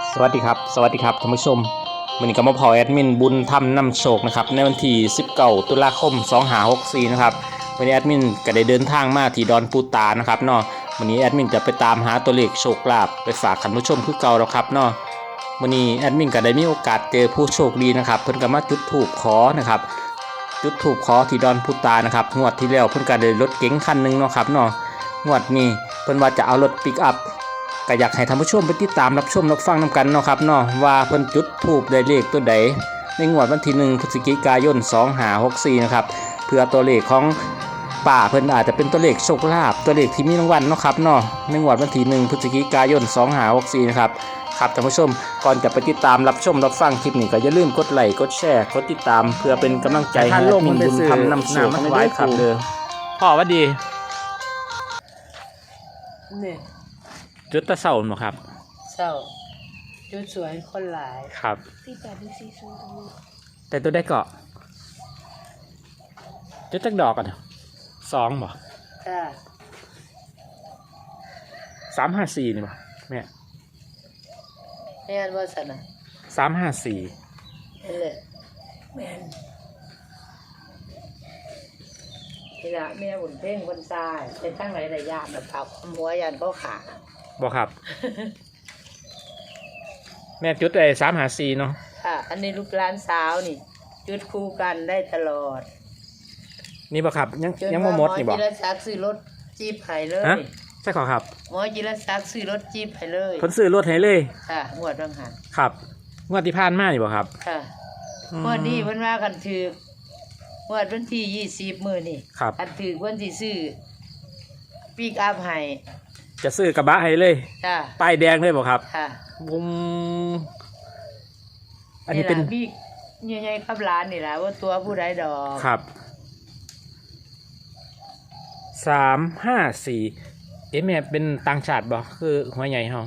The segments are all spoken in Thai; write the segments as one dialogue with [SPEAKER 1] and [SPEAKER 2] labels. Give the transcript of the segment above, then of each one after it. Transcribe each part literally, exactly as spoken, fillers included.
[SPEAKER 1] สวัสดีครับสวัสดีครับท่านผู้ชมวันนี้ก็มาพอแอดมินบุญธรรมนำโชคนะครับในวันที่สิบเก้าตุลาคมสองห้าหกสี่นะครับวันนี้แอดมินก็ได้เดินทางมาที่ดอนปูตานะครับเนาะวันนี้แอดมินจะไปตามหาตัวเลขโชคลาภไปฝากท่านผู้ชมคือเก่าแล้วครับเนาะวันนี้แอดมินก็ได้มีโอกาสเจอผู้โชคดีนะครับเพิ่นก็มาจุดธูปขอนะครับจุดธูปขอที่ดอนปูตานะครับงวดที่แล้วเพิ่นก็ได้รถเก๋งคันหนึ่งเนาะครับเนาะงวดนี้เพิ่นว่าจะเอารถปิกอัพก็อยากให้ท่านผู้ชมไปติดตามรับชมรับฟังนำกันเนาะครับเนาะว่าเพิ่นจุดธูปได้เลขตัวใดในงวดวันที่หนึ่งพฤศจิกายนสองห้าหกสี่นะครับเพื่อตัวเลขของป่าเพิ่นอาจจะเป็นตัวเลขโชคลาภตัวเลขที่มีรางวัลเนาะครับเนาะในงวดวันที่หนึ่งพฤศจิกายนสองห้าหกสี่นะครับครับท่านผู้ชมก่อนจะไปติดตามรับชมรับฟังคลิปนี้ก็อย่าลืมกดไลค์กดแชร์กดติดตามเพื่อเป็นกำลังใจให้แอดมินบุญธรรมนำโชคทั้งหลายครับเด้อพ่อว่าดี
[SPEAKER 2] นี่
[SPEAKER 1] จุดตะเสาหนูครับ
[SPEAKER 2] เศร้าจุดสวยคนหลาย
[SPEAKER 1] ครับ
[SPEAKER 3] สี่แปดหรือสี่ศูนย์ตรงนี้
[SPEAKER 1] แต่ตัวได้เกาะจุดจักดอกกันสองบ่
[SPEAKER 2] จ้า
[SPEAKER 1] สามห้าสี่นี่บ่แม่
[SPEAKER 2] แม่นว่าสนะ
[SPEAKER 1] สามห้าสี่
[SPEAKER 2] นี่แหละแม่นนี่ละแม่บุญเพ่งคนทรายเป็นตั้งหลายหลายยานแบบผักหัวยันเขาขา
[SPEAKER 1] บ่ครับ แม่จุดไอ้สามห้าสี่เนาะ
[SPEAKER 2] ค่ะอันนี้ลูกหลานสาวนี่จุดคู่กันได้ตลอด
[SPEAKER 1] นี่บ่ครับยังยังบ่หมดนี่บ่
[SPEAKER 2] หมอจิรศักดิ์ซื้อรถจี๊ปให้เลย
[SPEAKER 1] ใช่ขอครับ
[SPEAKER 2] หมอจิรศักดิ์ซื้อรถจี๊ปให้เลย
[SPEAKER 1] เพิ่นซื้อรถให้เลย
[SPEAKER 2] ค่ะงวดบางหัน
[SPEAKER 1] ครับงวดที่ผ่านมานี่บ่ครับ
[SPEAKER 2] ค่ะงวดนี้เพิ่นว่ากันถืองวดวันที่ยี่สิบมื้อนี่
[SPEAKER 1] ครับ
[SPEAKER 2] อันถือวันที่ซื้อปิกอัพให้
[SPEAKER 1] จะซื้อกระบะให้เลย
[SPEAKER 2] จ้า
[SPEAKER 1] ป้ายแดงเลยบ่ครับ
[SPEAKER 2] ค่ะ
[SPEAKER 1] บุ้มอันนี้เป็น
[SPEAKER 2] พี่ใหญ่ๆครับร้านนี่แหละว่าตัวผู้ใดดอก
[SPEAKER 1] ครับสามห้าสี่เอ๊ะแม่เป็นต่างชาติบ่คือหัวใหญ่เฮา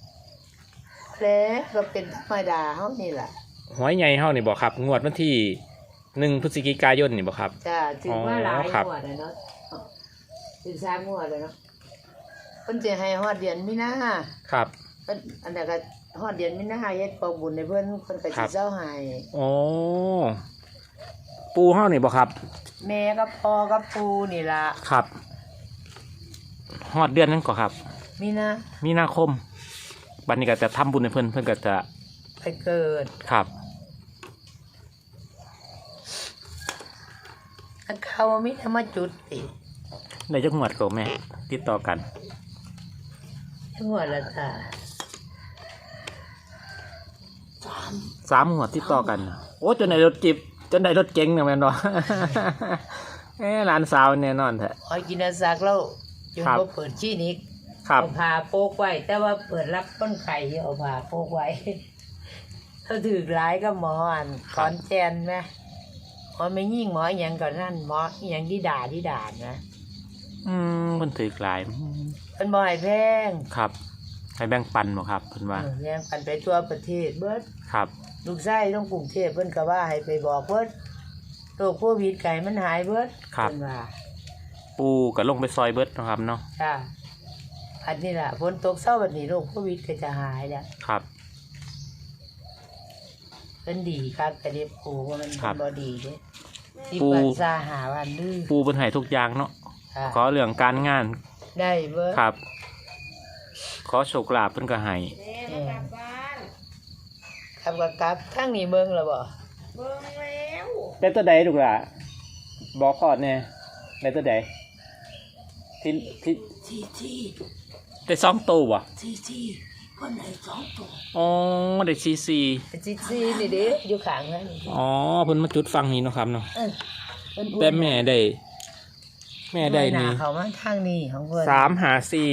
[SPEAKER 2] แล้วก็เป็นธรรมดาเฮานี่แหละ
[SPEAKER 1] หัวใหญ่เฮานี่บ่ครับงวดวันที่หนึ่งพฤศจิกายนนี่บ่ครับ
[SPEAKER 2] จ้าถือว่าหลายงวดเลยเนาะถึงสามงวดเลยเนาะเพิ่นจะให้ฮอดเดือนมีนา
[SPEAKER 1] ครับ
[SPEAKER 2] เพิ่นอันนั้นก็ฮอดเดือนมีนาเฮ็ดกองบุญให้เพิ่นเพิ่นก็สิเซาให้
[SPEAKER 1] อ๋อปูเฮานี่บ่ครับ
[SPEAKER 2] แม่กับพ่อกับปู่นี่ล่ะ
[SPEAKER 1] ครับฮอดเดือนนั้นก็ครับ
[SPEAKER 2] มีนา
[SPEAKER 1] มีนาคมบัดนี้ก็จะทำบุญให้เพิ่นเพิ่นก็จะ
[SPEAKER 2] ไปเกิด
[SPEAKER 1] ครับ
[SPEAKER 2] เขามีธรรมจุดติ
[SPEAKER 1] ในจังหวัดก็แม่ติดต่อกัน
[SPEAKER 2] จังหวัดละจ้ะ
[SPEAKER 1] สามสามหัวติดต่อกันโอ้จนได้รถจิบจนได้รถเก๋งเนี่ยแม่นบ่เอ้หลานสาวแน่นอนแท้
[SPEAKER 2] อ๋อกินซักแล้วจึงบ่เปิดชี้นิก
[SPEAKER 1] เอา
[SPEAKER 2] ผ้าโปกไว้แต่ว่าเปิดรับคนไข้เอาผ้าโปกไว้เขาถือหลายก็หมออันขอนแก่นแม่หมอไม่ยิ่งหมออย่างก่อนนั่นหมออย่างที่ด่าที่ด่านะ
[SPEAKER 1] อืมเพิ่นถือหลาย
[SPEAKER 2] เพิ่นบ่ให้แพง
[SPEAKER 1] ครับให้แบ่งปันบ่ครับเพิ่นว่า
[SPEAKER 2] แบ่งปันไปทั่วประเทศเบิด
[SPEAKER 1] ครับ
[SPEAKER 2] ลูกชายต้องกรุงเทพเพิ่นก็ว่าให้ไปบอกเบิดโรคโควิดไก่มันหายเบิด
[SPEAKER 1] เพิ่นว่าปูก็ลงไปซอยเบิดนะครับเนาะ
[SPEAKER 2] จ้ะอันนี้ล่ะฝนตกเช้าบัดนี้โรคโควิดก็จะหายแล้ว
[SPEAKER 1] ครับ
[SPEAKER 2] เพิ่นดีครับแต่เด็บปูว่ามันบ่ดีเด้ที่
[SPEAKER 1] ปู
[SPEAKER 2] ปันซาหาวันดื้อ
[SPEAKER 1] ปูเพิ่นให้ทุกอย่างเนาะขอเรื่องการงาน
[SPEAKER 2] ได้เบิด
[SPEAKER 1] ครับขอโชคลาภเพิ่นก็ให้
[SPEAKER 2] ครับกับกับทั้งนี้เบิ่งแล้วบ่
[SPEAKER 3] เบิ่งแล้ว
[SPEAKER 1] ได้ตัวใดลูกล่ะบอกขอดแน่ได้ตัวใดที่ที่
[SPEAKER 2] ที่ที่
[SPEAKER 1] ได้สองตัวบ่
[SPEAKER 2] ที่ที่เพิ่นให้สองตัว
[SPEAKER 1] อ๋อได้ซีซี
[SPEAKER 2] ซีซีนี่เด้อยู่ข้างนั้น
[SPEAKER 1] อ๋อเพิ่นมาจุดฟังนี้เนาะครับเนาะแต่แม่ได้แม่ได้นี่
[SPEAKER 2] เขามาทางนี้ของเพิ่น
[SPEAKER 1] สามห้าสี่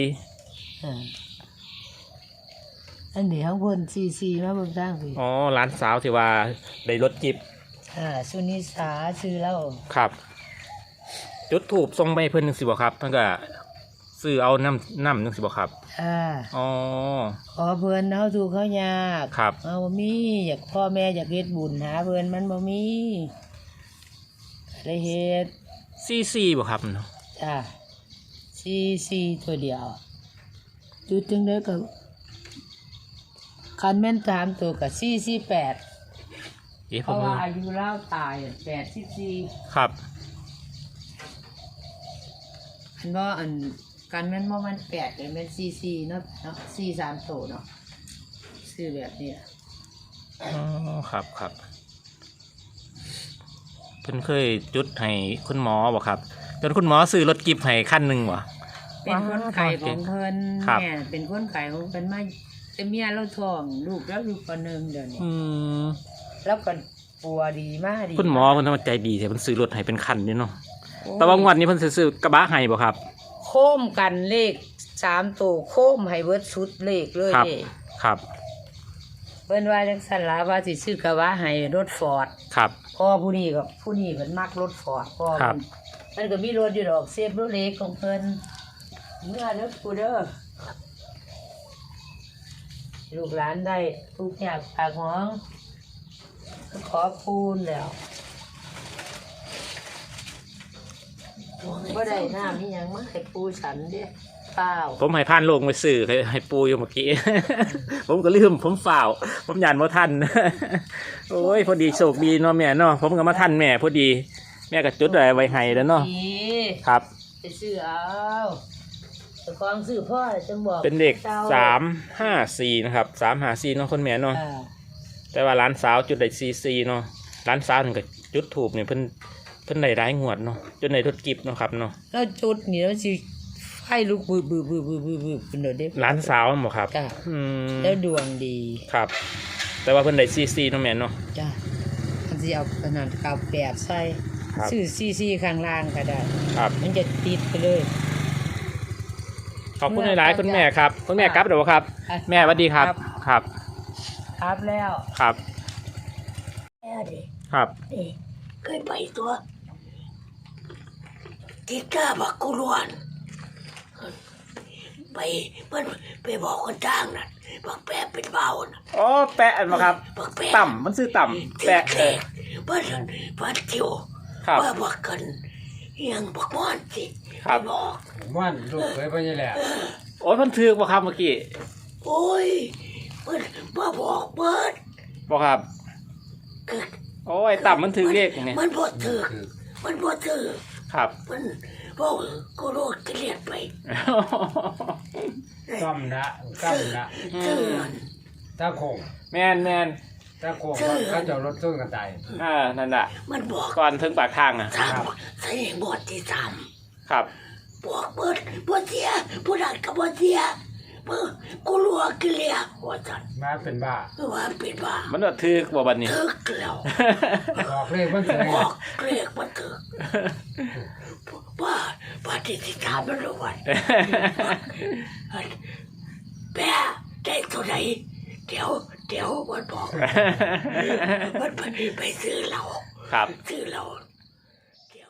[SPEAKER 2] อันนี้ของเพิ่นซีซีมาเบิ่งทางพี่
[SPEAKER 1] อ๋อร้านสาวที่ว่าได้รถจิบ
[SPEAKER 2] อ่าสุนิสาชื่อแล้ว
[SPEAKER 1] ครับจุดถูกทรงไปเพิ่นนึงสิบ่ครับเพิ่นก็ซื้อเอาน้ำน้ำนึงสิบ่ครับ
[SPEAKER 2] อ่า
[SPEAKER 1] อ๋อ
[SPEAKER 2] ขอเพิ่นเฮาถูกเขายาก
[SPEAKER 1] ครับ
[SPEAKER 2] เฮาบ่มีอยากพ่อแม่อยากเฮ็ดบุญหาเพิ่นมันบ่มีได้เฮ็ด
[SPEAKER 1] ซีซีบ่ครับเนาะ
[SPEAKER 2] จ้าซีซีตัวเดียวจุดจังได๋ก็ คคันแม่นสามตัวกับสี่สี่แปด
[SPEAKER 1] เอ๊ะ
[SPEAKER 2] เพ
[SPEAKER 1] ผม
[SPEAKER 2] ราะว่าอายุเล่าตายแปดสิบสี่
[SPEAKER 1] ครับ
[SPEAKER 2] อันว่าอันกันแม่นว่ามันแปดเลยแม่นสี่สี่เนาะเนาะสี่สามตัวเนาะซื้อแบบนี้ล่ะ
[SPEAKER 1] อ๋อครับครับเพิ่นเคยจุดให้คุณหมอบ่ครับจนคุณหมอซื้อรถกิฟต์ให้คันหนึงบ่
[SPEAKER 2] เป็นคนไข่ของเพิ่น
[SPEAKER 1] ครับ
[SPEAKER 2] แม่เป็นคนไข่ของเพิ่นมาแต่เมียเราท้องลูกแล้วอยู่ปหนึ่งเดี๋ยวนี้
[SPEAKER 1] อืม
[SPEAKER 2] แล้วก็ปัวดีมากดี
[SPEAKER 1] คุณหมอเพิ่นทำใจดีแต่เพิ่นซื้อรถให้เป็นคันนี่เนาะ
[SPEAKER 2] โอ้ย
[SPEAKER 1] แต่ว่างวดนี้เพิ่นสิซื้อกระบะให้บ่ครับ
[SPEAKER 2] โค้มกันเลขสามตัวโค้มให้เบิดชุดเลขเลย
[SPEAKER 1] ครับ
[SPEAKER 2] เด้
[SPEAKER 1] ครับ
[SPEAKER 2] เพิ่นว่าจังซั่นล่ะว่าสิซื้อกะว่าให้รถฟอร์ด
[SPEAKER 1] ครับ
[SPEAKER 2] พ่อผู้นี้ก็ผู้นี้เพิ่นมักรถฟอร์ดพ่อ
[SPEAKER 1] ครับ
[SPEAKER 2] เพิ่นมันก็มีรถอยู่ดอกเซฟรถเล็กของเพิ่นเมื่อเด้อกูเด้อลูกหลานได้ทุกอย่างปากห้องขอคูณแล้วบ่ได้น้ำนี่ยังมาให้ปูฉันเด้เปล่า
[SPEAKER 1] ผมให้ผ่านโลงไปซื้อให้ให้ปูอยู่เมื่อกี้ ผมก็ลืมผมฝ่าวผมยานบ่ทัน โอ้ยพอดีโชคดีเนาะแม่เนาะผมก็มาทันแม่พอดี แม่ก็จุดอะไรไว้ให้แล้วเนาะ
[SPEAKER 2] ดี
[SPEAKER 1] ครับ
[SPEAKER 2] ไปซื้อเอาแต่กองซื้อพ่อจังบอก
[SPEAKER 1] เป็นเด็ก
[SPEAKER 2] จ้
[SPEAKER 1] สามห้าสี่นะครับสามห้าสี่เนาะคนแม่เนาะ
[SPEAKER 2] อ่า
[SPEAKER 1] แต่ว่าร้านสาวจุดได้ซีซีเนาะร้านสาวถึงกับจุดถูกเนี่ยเพิ่นเพิ่นได้ร้ายงวดเนาะจนได้รถกิฟต์เนาะครับเนาะ
[SPEAKER 2] แล้วจุดนี่แล้วสิไฟลุกบืบบืบบืบบืบบืบบืบเป็นเด้อเด้
[SPEAKER 1] ร้านสาวบ่ครับ
[SPEAKER 2] จ้ะ
[SPEAKER 1] อืม
[SPEAKER 2] แล้วดวงดี
[SPEAKER 1] ครับ แต่ว่าเพิ่นได้ซีซีเนาะแม่เนาะ
[SPEAKER 2] จ้ะมันสิเอาขนาดเก้าแปดใส่
[SPEAKER 1] ครับ
[SPEAKER 2] ซื้อซีซีข้างล่างก็ได้
[SPEAKER 1] ครับ
[SPEAKER 2] มันจะติดไปเลย
[SPEAKER 1] ขอบคุณหลายๆคุณแม่ครับคุณแม่กลับเดี๋ยวครับ แม่สวัสดีครับครับ
[SPEAKER 2] ครับแล้ว
[SPEAKER 1] ครับ
[SPEAKER 2] แม่ดิ
[SPEAKER 1] ครับ
[SPEAKER 2] นี่เคยไปตัวติดกล้าบักกุลวนไปมันไปบอกคนจ้างนั่นบักแปะเป็นเบาน่ะ
[SPEAKER 1] อ๋อแปะอันมาครับ
[SPEAKER 2] บักแปะ
[SPEAKER 1] ต่ำมันซื้อต่ำแปะเออ
[SPEAKER 2] บ้านบ้านจิ๋ว
[SPEAKER 1] ครับ
[SPEAKER 2] ว่าบักกันยังบักม่อนสิ
[SPEAKER 1] ครับ
[SPEAKER 2] บอก
[SPEAKER 4] มันลูกเคยไปนี่แหละ
[SPEAKER 1] โอ้ยมันถือบ่ครับเมื่อกี้
[SPEAKER 2] โอ้ยมันมาบอกเบิด
[SPEAKER 1] บ่ครับ
[SPEAKER 2] คือ
[SPEAKER 1] โอ้ยต่ำมันถือเลขไง
[SPEAKER 2] มันบ่ถือมันบ่ถือ
[SPEAKER 1] ครับ
[SPEAKER 2] มันบอกกูโลดเกลียดไป
[SPEAKER 4] ซ้ำนะซ้ำนะ
[SPEAKER 2] เตือน
[SPEAKER 4] ตาโคง
[SPEAKER 1] แมนแมน
[SPEAKER 4] ตาโคงเขาจะเอารถส้นกันตาย
[SPEAKER 1] อ่านั่นน่ะ
[SPEAKER 2] มันบอก
[SPEAKER 1] ก่อนถึงปากทางอ่ะ
[SPEAKER 2] สามใส่บทที่สาม
[SPEAKER 1] ครับ
[SPEAKER 2] บอกเบิดบ่เสียผู้นั้นก็บ่เสียเมื่อกูรัวเกลียว่าจัน
[SPEAKER 4] มาเป็นบ้า
[SPEAKER 2] ว่าเป็นบ้า
[SPEAKER 1] มันว่าถือบ่บัดนี้
[SPEAKER 2] ถึกแล้ว
[SPEAKER 4] บอกเลขมันเสีย
[SPEAKER 2] บอกเกลียกมันถึกว่าปฏิทินมันรู้วันแปะได้ตัวไหนเดี๋ยวเดี๋ยวมันบอกมันไปไปซื้อเรา
[SPEAKER 1] ครับ
[SPEAKER 2] ซื้อเราเดี๋ยว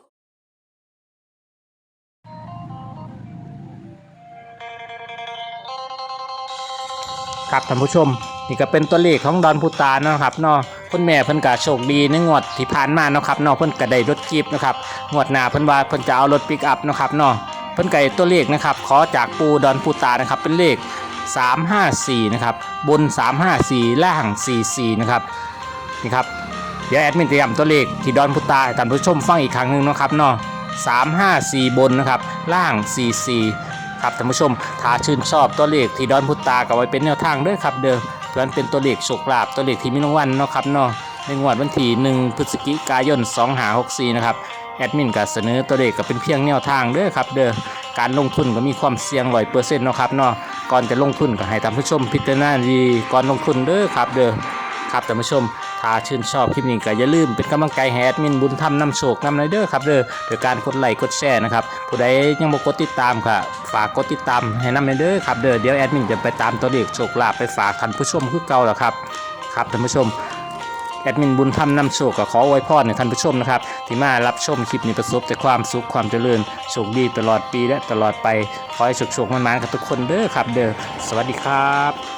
[SPEAKER 1] ครับท่านผู้ชมนี่ก็เป็นตัวเลขของดอนพุตาเนาะครับเนาะคุณแม่เพิ่นก็โชคดีในงวดที่ผ่านมาเนาะครับเนาะเพิ่นก็ได้รถจีบนะครับงวดหน้าเพิ่นว่าเพิ่นจะเอารถปิกอัพเนาะครับเนาะเพิ่นก็ได้ตัวเลขนะครับขอจากปูดอนพุตานะครับเป็นเลขสามห้าสี่นะครับบนสามห้าสี่ล่างสี่สี่นะครับนี่ครับเดี๋ยวแอดมินจะย้ำตัวเลขที่ดอนพุตาให้ท่านผู้ชมฟังอีกครั้งหนึงเนาะครับเนาะสามห้าสี่บนนะครับล่างสี่สี่ครับท่านผู้ชมถ้าชื่นชอบตัวเลขที่ดอนพุตาก็ไว้เป็นแนวทางเด้อครับเด้อเพื่อนเป็นตัวเลขโชคลาภตัวเลขที่มีรางวัลเนาะครับเนาะในงวดวันที่หนึ่งพฤศจิกายนสองห้าหกสี่นะครับแอดมินก็เสนอตัวเลขก็เป็นเพียงแนวทางเด้อครับเด้อการลงทุนก็มีความเสี่ยงร้อยเปอร์เซ็นต์เนาะครับเนาะก่อนจะลงทุนก็ให้ท่านผู้ชมพิจารณาดีก่อนลงทุนเด้อครับเด้อครับท่านผู้ชมถ้าชื่นชอบคลิปนี้ก็อย่าลืมเป็นกำลังใจให้แอดมินบุญธรรมนำโชคนำไรเด้อครับเด้อโดยการกดไลค์กดแชร์นะครับผู้ใดยังบ่กดติดตามก็ฝากกดติดตามให้นำเด้อครับเด้อเดี๋ยวแอดมินจะไปตามตัวเลขโชคลาภไปฝากท่านผู้ชมคือเก่าแล้วครับครับท่านผู้ชมแอดมินบุญธรรมนำโชคก็ขออวยพรให้ท่านผู้ชมนะครับที่มารับชมคลิปนี้ประสบแต่ความสุขความเจริญโชคดีตลอดปีและตลอดไปขอให้โชคๆมันๆกับทุกคนเด้อครับเด้อสวัสดีครับ